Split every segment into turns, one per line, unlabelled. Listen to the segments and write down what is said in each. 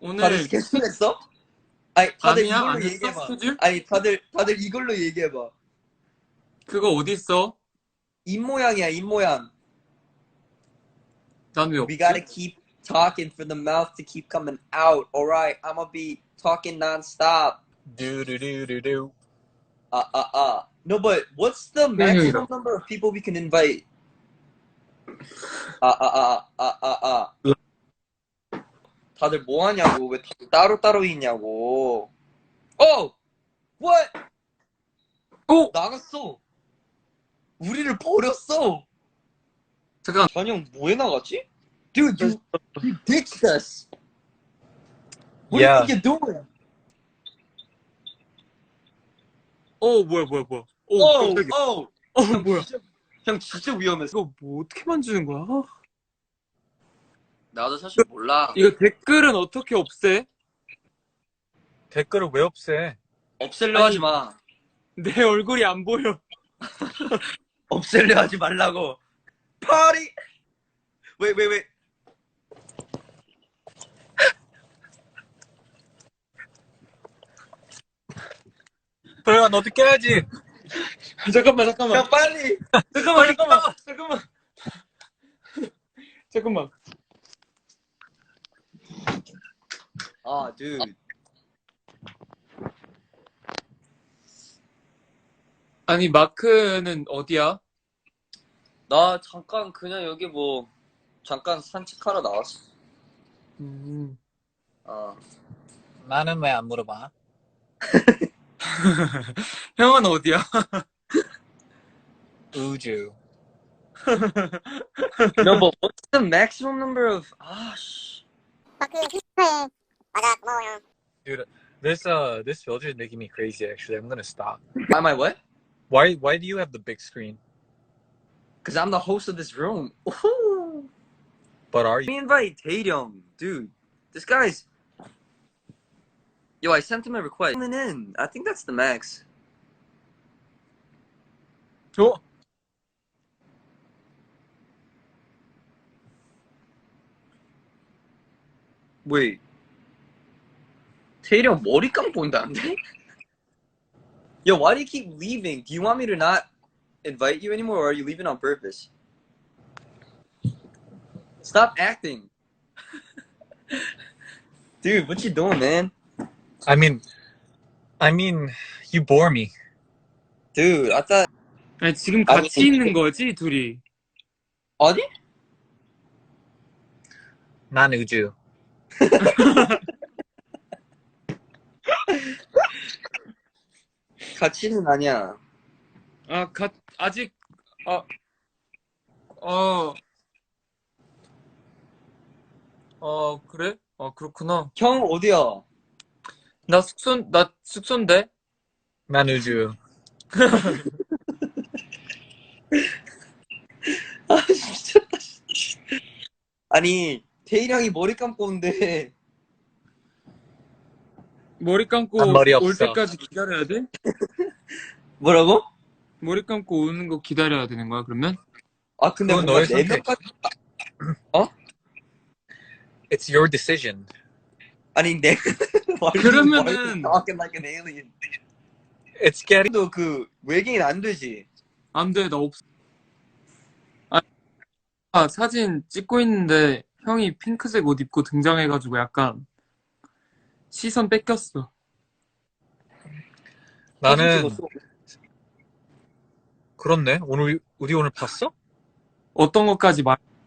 다들
오늘
스케줄 했어? 아니, 다들
아니야?
이걸로
안 했어?
얘기해봐.
스케줄?
아니, 다들 이걸로 얘기해봐.
그거 어딨어?
입 모양이야, 입 모양.
난 왜
We gotta
없지?
keep talking for the mouth to keep coming out. Alright, I'm gonna be talking non-stop.
Do.
No, but what's the maximum number of people we can invite? 다들 뭐 하냐고. 왜 다들 따로따로 있냐고. Oh! What? 나갔어. 우리를 버렸어.
잠깐.
전형 뭐에 나갔지? Dude, you ditched us. What
Yeah.
do you think you're doing?
뭐야. 깜짝이야. 뭐야.
형 진짜 위험했어.
이거 뭐 어떻게 만지는 거야?
나도 사실 몰라.
이거 댓글은 어떻게 없애?
댓글을 왜 없애?
없앨려 하지 마.
내 얼굴이 안 보여.
없앨려 하지 말라고. 파리! 왜.
도영아, 너도 껴야지.
잠깐만.
야, 빨리!
잠깐만.
아, dude.
아니, 마크는 어디야?
나 잠깐 그냥 여기 잠깐 산책하러 나왔어.
나는 왜 안 물어봐?
형은 어디야?
우주.
No, but what's the maximum number of... 씨.
마크 히스토에 맞아 고마워요.
Dude, this filter is making me crazy. Actually, I'm gonna stop.
Am I what?
Why do you have the big screen?
Because I'm the host of this room. Ooh.
But are
Let
you?
me invite Taeyong, dude. This guy's... Yo, I sent him a request. In. I think that's the max. Wait. Taeyong 머리 감고 온다는데? Yo, why do you keep leaving? Do you want me to not invite you anymore, or are you leaving on purpose? Stop acting. Dude, what you doing, man?
I mean, you bore me.
Dude, I thought...
아니, 지금 같이 있는 거지, 둘이?
어디?
난 우주.
같이는 아니야.
아직, 그래? 그렇구나.
형 어디야?
나 숙소인데?
난 우주.
아, 미쳤다. 아니, 태일 형이 머리 감고 온대.
머리 감고
난 머리
올
없어.
때까지 기다려야 돼?
뭐라고?
머리 감고 오는 거 기다려야 되는 거야, 그러면?
아, 근데
그건
뭔가
너의 선택.
4명까지...
It's your decision.
아니,
그러면은-
talking like an alien.
It's getting.
너 그 외계인 안 되지?
안 돼, 나 없어. 사진 찍고 있는데 형이 핑크색 옷 입고 등장해가지고 약간 시선 뺏겼어.
나는
찍었어.
그렇네. 우리 오늘 봤어?
어떤 것까지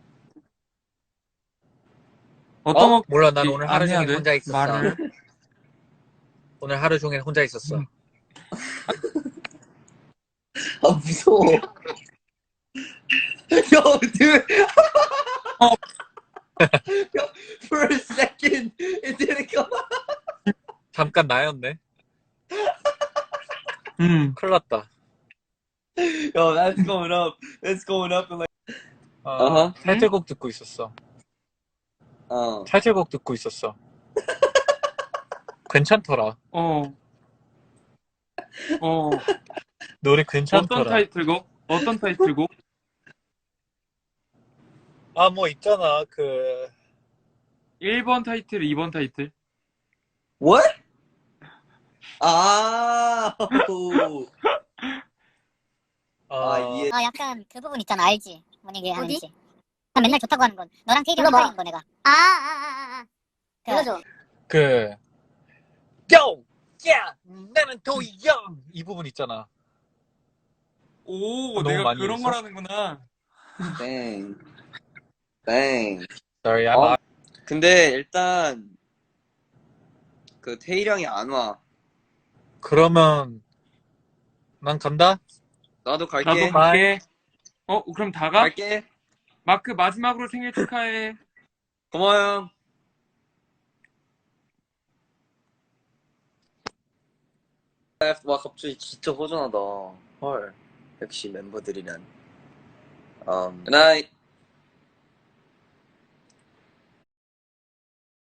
어떤 것
몰라. 난 오늘
안
하루
해야
종일
돼?
혼자 있었어.
말을.
오늘 하루 종일 혼자 있었어.
아, 무서워. Yo, dude. Yo, for a second, it didn't come out.
잠깐 나였네. 큰일 났다.
Yo, that's going up. That's going up in like...
타이틀곡 듣고 있었어. 타이틀곡 듣고 있었어. 괜찮더라. 노래 괜찮더라.
어떤 타이틀곡?
뭐 있잖아.
1번 타이틀, 2번 타이틀?
What? 아, 오. 이해.
약간 그 부분 있잖아, 알지? 뭔 얘기 하는지. 난 맨날 좋다고 하는 건 너랑 케이랑
그거
헷갈리는 거 내가.
불러줘.
그 Yo! 야! 나는 도영! 이 부분 있잖아.
오,
너무
내가
많이
그런
했어?
거라는구나.
땡. 땡.
Sorry, I'm
근데 일단 그 태일형이 안 와.
그러면 난 간다?
나도
나도
갈게.
갈게. 그럼 다 가?
갈게.
마크 마지막으로 생일 축하해.
고마워 형. 와 갑자기 진짜 허전하다. 헐. 역시 멤버들이란. Good night.